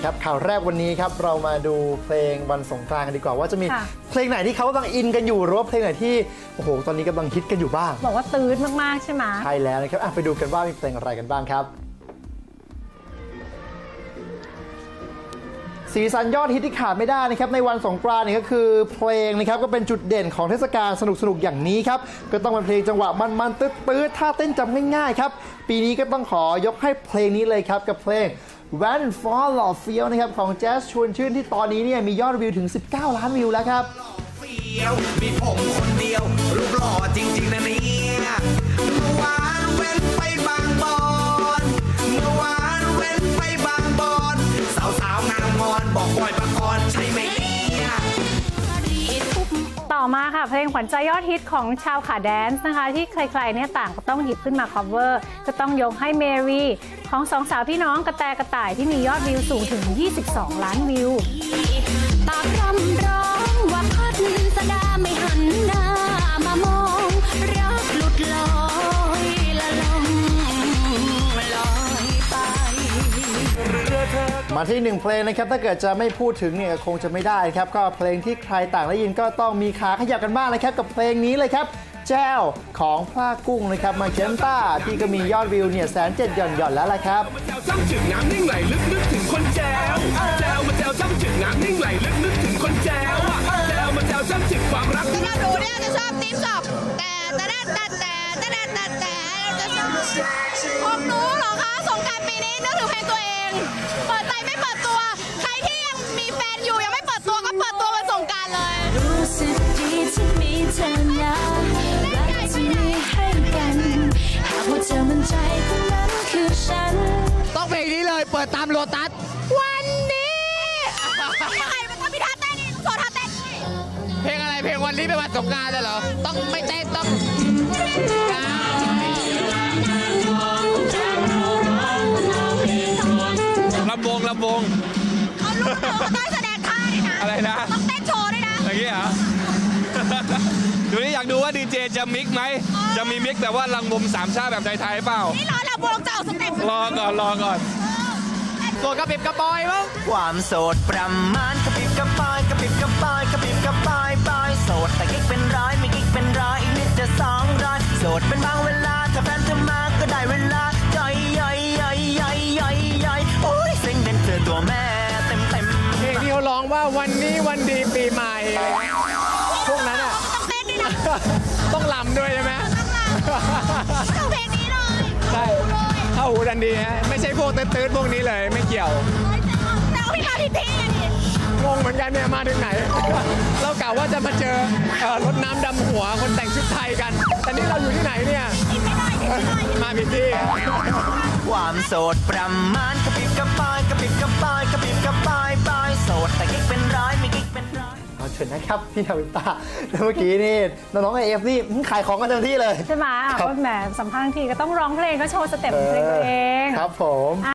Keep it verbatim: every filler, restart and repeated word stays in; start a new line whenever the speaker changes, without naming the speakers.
ครับข่าวแรกวันนี้ครับเรามาดูเพลงวันสงกรานต์กันดีกว่าว่าจะมีเพลงไหนที่เขากำลังอินกันอยู่หรือว่าเพลงไหนที่โอ้โหตอนนี้กำลังฮิตกันอยู่บ้าง
บอกว่าตื้นมากๆใช่ไหม
ใช่แล้วนะครับไปดูกันว่ามีเพลงอะไรกันบ้างครับสีสันยอดฮิตที่ขาดไม่ได้นะครับในวันสงกรานต์นี่ก็คือเพลงนะครับก็เป็นจุดเด่นของเทศกาลสนุกๆอย่างนี้ครับก็ต้องเป็นเพลงจังหวะมันๆตื้อๆท่าเต้นจำง่ายๆครับปีนี้ก็ต้องขอยกให้เพลงนี้เลยครับกับเพลง When Fall of Feel นะครับของแจ๊สชวนชื่นที่ตอนนี้เนี่ยมียอดวิวถึงสิบเก้าล้านวิวแล้วครับ
มีผมคนเดียวรูปหล่อจริงๆนะเนี่ยเมื่อวานเว้นไปบางบอนเมื่อวานเว้นไปบางบอนสาวๆงามงอนบอกบอยปกรณ์ใช่ไหมเนี่ย
ต่อมาค่ะเพลงขวัญใจยอดฮิตของชาวขาแดนซ์นะคะที่ใครๆเนี่ยต่างก็ต้องหยิบขึ้นมา cover ก็ต้องยกให้เมรีของสองสาวพี่น้องกระแตกระต่ายที่มียอดวิวสูงถึงยี่สิบสองล้านวิว
ปากรำร้องว่าพัดสดาไม่หันหน้ามามองรักหลุดลอยละลองลอยไป
มาที่หนึ่งเพลงนะครับถ้าเกิดจะไม่พูดถึงเนี่ยคงจะไม่ได้ครับก็เพลงที่ใครต่างได้ยินก็ต้องมีขาขยับกันบ้างนะครับกับเพลงนี้เลยครับแจ้วของพลากุ้งนะครับมาเจนต้าที่ก็มียอดวิวเนี่ยแสนเจ็ดหย่อนหย่อนแล้วละครับ
แจวจ้ำจึกน้ำนิ่งไหลลึกนึกถึงคนแจวแจวมาแจวจ้ำจึกน้ำนิ่งไหลลึกนึกถึงคนแจวแจวมาแจวจ้ำจึกความรัก
ถ้าหนูเนี่ยจะชอบติ๊บจอบแต่แต่แต่แต่แต่แต่แต่เราจะชอบของหนูเหรอคะสงกรานต์ปีนี้นึกถึงเพลงตัวเองเปิดใจไม่เปิดตัวใครที่ยังมีแฟนอยู่ยังไม่เปิดตัวก็เปิดตัววันสงกรานต์เลย
รู้สึกดีที่มีเธอนะรักที่มีให้กันหากว่าเธอมันใจคนนั้นคือฉัน
ต้องเพลงนี้เลยเปิดตามโลตัส
วันนี้ยังไงมันต้องมีท่าเต้นนี่ต้องโชว์ท่าเต้นด้วย
เพลงอะไรเพลงวันนี้เป็นวันสงกรานต์เหรอต้องไม่เต้นต้อง
ลำวงลำวง
เอาลูกเต๋อมาต้องแสดงท่าด้วยนะ
อะไรนะ
ต้องเต้นโชว์ด้วยนะ
อย่างนี้เหรอดูนี่อยากดูว่าดีเจจะมิกไหมจะมีมิกแบบว่าลังวงสามชาแบบไทยๆเปล่า
นี่รอลำวงจะออกสเต็ป
รอก่อนรอก่อน
โสดกระปิบกระปอยมั้ง
ความโสดประมาณกระปิบกระปอยกระปิบกระปอยกระปิบกระปอยปอยโสดแต่กิ๊กเป็นร้อยไม่กิ๊กเป็นร้อยอีกนิดจะสองร้อยโสดเป็นบางเวลาถ้าแฟนเธอมาก็ได้เวลาย่อยย่อยย่อยย่อยย่อยย่อยโอ้ยเซ็งเป็นเธอตัวแม่เต็มเต็ม
เพลงที่เขาร้องว่าวันนี้วันดีปีใหม่พวกนั้นอ่ะ
ต้องเต้นด้วยนะ
ต้องลำด้วยใช่ไหม
ต้องเพลงนี้เลย
ใช่เข้าหูดันดีฮะไม่ใช่พวกตื้นๆพวกนี้เลยไม่เกี่ยว
แต่เอาพี่มาพี่พี่นี่
งงเหมือนกันเนี่ยมาถึงไหนเรากล่าวว่าจะมาเจอรถน้ำดำหัวคนแต่งชุดไทยกันแต่นี่เราอยู่ที่ไหนเนี่ยมาผิดที่
ความโสดประมาณกระปิบกระปอยกระปิบกระปอยกระปิบกระปอยปอยโสดแต่กิ๊กเป็นร้อยไม่กิ๊กเป็นร้อย
เอาเชิญนะครับพี่นาวินต้าเมื่อกี้นี่น้องๆไอเอฟนี่ขายของกันเต็มที่เลย
ใช่ไหมก็แหมสัมภาษณ์ทีก็ต้องร้องเพลงก็โชว์สเต็ปเพลงตัวเอง
ครับผม